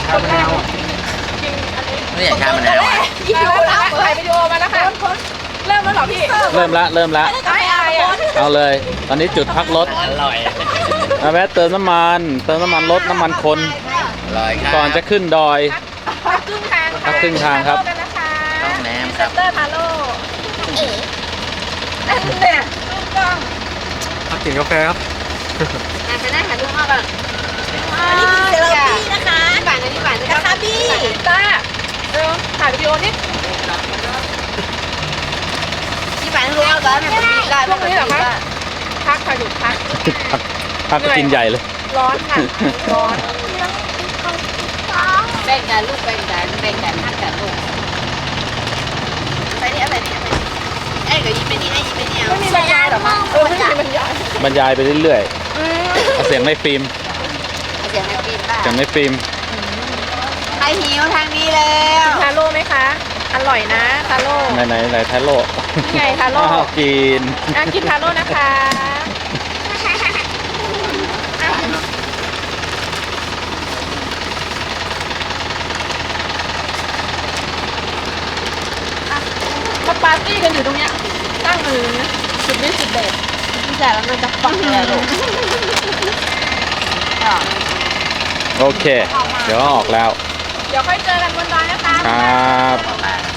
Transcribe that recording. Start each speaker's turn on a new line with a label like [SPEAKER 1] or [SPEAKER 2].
[SPEAKER 1] ชามะนาว
[SPEAKER 2] กินอันนี้
[SPEAKER 3] ไม่อยากชามะนาวอ่ะ
[SPEAKER 2] ถ่ายวิดีโอมาแล้วค่ะเริ่มแล้วเหรอพี่
[SPEAKER 4] เริ่มละ
[SPEAKER 2] ไม่อายอ่ะ
[SPEAKER 4] เอาเลย ตอนนี้จุดพักรถ
[SPEAKER 3] อร่อย
[SPEAKER 4] เอาแวะเติมน้ำมันรถน้ำมันคน
[SPEAKER 3] อร่อยครับ
[SPEAKER 4] ก่อนจะขึ้นดอย
[SPEAKER 2] พักครึ่งทาง
[SPEAKER 4] พักครึ่งทางครับ
[SPEAKER 2] กันนะคะ
[SPEAKER 3] ต้องแหนม
[SPEAKER 2] พรี
[SPEAKER 3] ค
[SPEAKER 2] เซ
[SPEAKER 3] รับ
[SPEAKER 2] นเตอร์ทาโร่นั่นเนี่ยลูกกล้อง
[SPEAKER 1] มากินกาแฟครับ
[SPEAKER 2] จะได้หาลูกมากก่อน
[SPEAKER 5] อันนี้คือเซราปี้นะคะนะคะบี้
[SPEAKER 2] ต้าถ่ายวิดีโอนิด
[SPEAKER 5] ที่ฝันรู้เอาตอนนั้นมันดีได้
[SPEAKER 2] พวกนี้เหรอคะพักค่ะหยุดพัก
[SPEAKER 4] พักก็กินใหญ่เลย
[SPEAKER 2] ร้อนค่ะร้อน
[SPEAKER 5] แบ่งกันลูกแบ่งกันทักกันลูกไปนี่เอาไปนี่ไอ้ก็ยิงไปนี่ไอ้ยิงไปนี่เอา
[SPEAKER 2] ไม่มีบรรยายเหรอคะไม่มีบรรยาย
[SPEAKER 4] บรรยายไปเรื่อยๆเอาเสียงในฟิล์ม
[SPEAKER 5] เสียงในปีนบ้า
[SPEAKER 4] เสียงในฟิล์ม
[SPEAKER 5] ใครหิวทางนี้แล้ว
[SPEAKER 2] ทาโร่ไหมคะอร่อยนะทาโร่
[SPEAKER 4] ไหนทาโร่
[SPEAKER 2] นี่ไงทาโร่
[SPEAKER 4] อ้าวกิน
[SPEAKER 2] กินทาโร่นะคะมาปาร์ตี้กันอยู่ตรงเนี้ยตั้งมือสุดฤทธิ์สุดเด็ด
[SPEAKER 5] พี่จ่ายแล้วมันจะฟังเลยลูก
[SPEAKER 4] โอเค เดี๋ยวออกแล้ว
[SPEAKER 2] เดี๋ยวค่อยเจอกันบนดอยนะคะ
[SPEAKER 4] ครับ
[SPEAKER 3] อร่อย